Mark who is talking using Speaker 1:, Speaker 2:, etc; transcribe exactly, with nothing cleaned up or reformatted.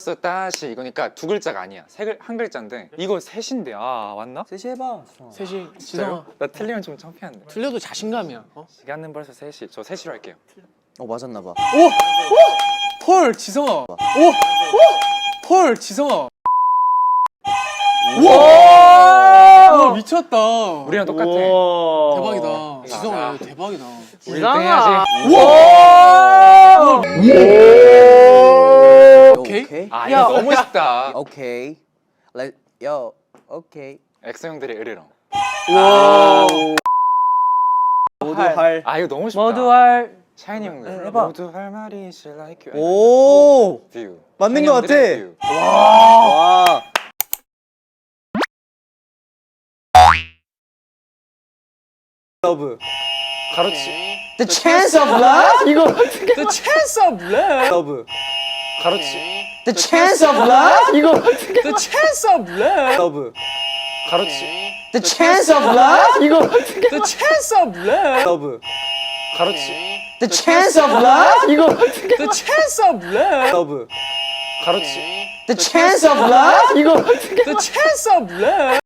Speaker 1: 다시 이거니까 두 글자가 아니야. 세 글, 한 글자인데 이거 셋인데 아 맞나?
Speaker 2: 셋이 해봐.
Speaker 3: 셋이 지성아
Speaker 1: 나 틀리면 좀 창피한데.
Speaker 3: 틀려도 자신감이야. 어?
Speaker 1: 시간은 벌써 셋이. 저 셋이로 할게요.
Speaker 2: 어 맞았나 봐.
Speaker 3: 오! 오! 펄 지성아. 오! 오! 펄 지성아. 우와! 미쳤다.
Speaker 1: 우리랑 똑같아.
Speaker 3: 대박이다. 지성아 대박이다.
Speaker 1: 우리 일 등 해야지.
Speaker 3: 우와! 오케이.
Speaker 2: 오케이.
Speaker 1: 아 이거 너무 쉽다.
Speaker 2: 오케이. Let yo. 오케이.
Speaker 1: 엑소 형들의 으르렁.
Speaker 3: 와.
Speaker 2: 모두 할.
Speaker 1: 아 이거 너무 쉽다.
Speaker 4: 모두 할
Speaker 1: 샤이니 형들.
Speaker 2: 해봐.
Speaker 1: 모두 할 말이 is like you.
Speaker 2: 오.
Speaker 1: 뷰.
Speaker 2: 맞는
Speaker 1: 샤이니
Speaker 2: 것 같아.
Speaker 1: 형들의 뷰.
Speaker 2: 와. 러브.
Speaker 1: 가로치.
Speaker 2: The chance of love.
Speaker 3: 이거 The chance of love.
Speaker 2: 러브.
Speaker 1: 가로치.
Speaker 2: The chance of love.
Speaker 3: 이거 The chance of love.
Speaker 2: 러브.
Speaker 1: 가로치.
Speaker 2: The chance of love.
Speaker 3: 이거 The chance of love.
Speaker 2: 러브.
Speaker 1: 가로치.
Speaker 2: The chance of love.
Speaker 3: 이거 The chance of love.
Speaker 2: 러브.
Speaker 1: 가로치.
Speaker 2: The chance of love.
Speaker 3: 이거 The chance of love.